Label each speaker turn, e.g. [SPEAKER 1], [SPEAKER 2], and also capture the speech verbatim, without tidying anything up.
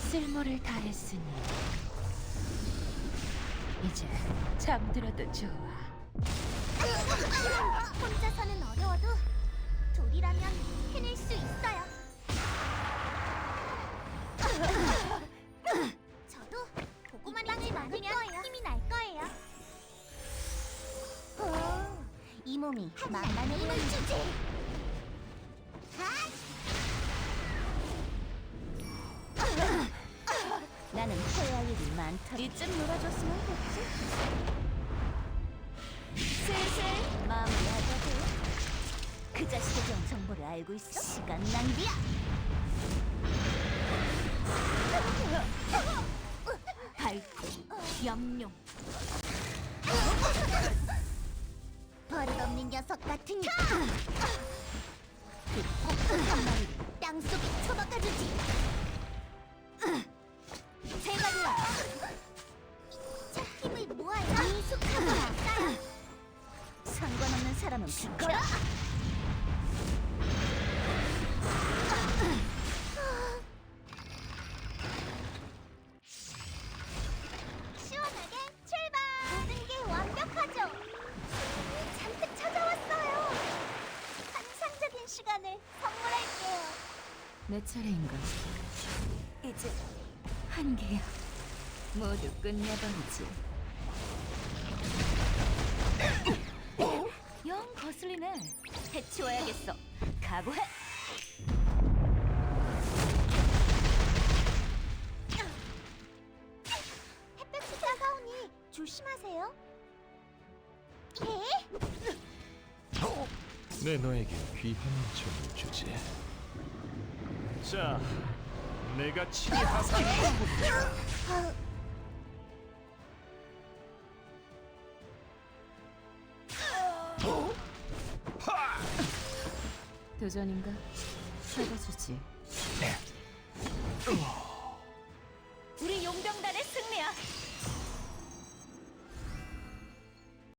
[SPEAKER 1] 쓸모를 다했으니 이제 잠들어도 좋아.
[SPEAKER 2] 혼자서는 어려워도 둘이라면 해낼 수 있어요. 저도 보고만 있지 않으면 힘이 날 거예요. 오, 이 몸이 만만해 힘을 주지. 나는 해야 할 일이 많다.
[SPEAKER 1] 이쯤 놀아줬으면 됐지.
[SPEAKER 2] 슬슬 마무리하자고. 그 자식에 대한 정보를 알고 있어? 시간 낭비야.
[SPEAKER 1] 밝고 염룡.
[SPEAKER 2] 버릇없는 녀석 같으니까. 그 폭풍한 마리를 땅속에 처박아주지. 제발요. 자, 힘을 모아요. 미숙하고 아까요. 상관없는 사람은 비켜라. 시원하게 출발. 모든 게 완벽하죠. 잔뜩 찾아왔어요. 환상적인 시간을 선물할게요.
[SPEAKER 1] 내 차례인가? 이제 한계야. 모두 끝내버리지. 영 거슬리네. 해치워야겠어. 각오해.
[SPEAKER 2] 햇볕이 따가우니 조심하세요. 예?
[SPEAKER 3] 내 너에게 귀한 점을 주지. 자, 내가 치하상.
[SPEAKER 1] 도전인가? 해봐주지. 우리 용병단의 승리야.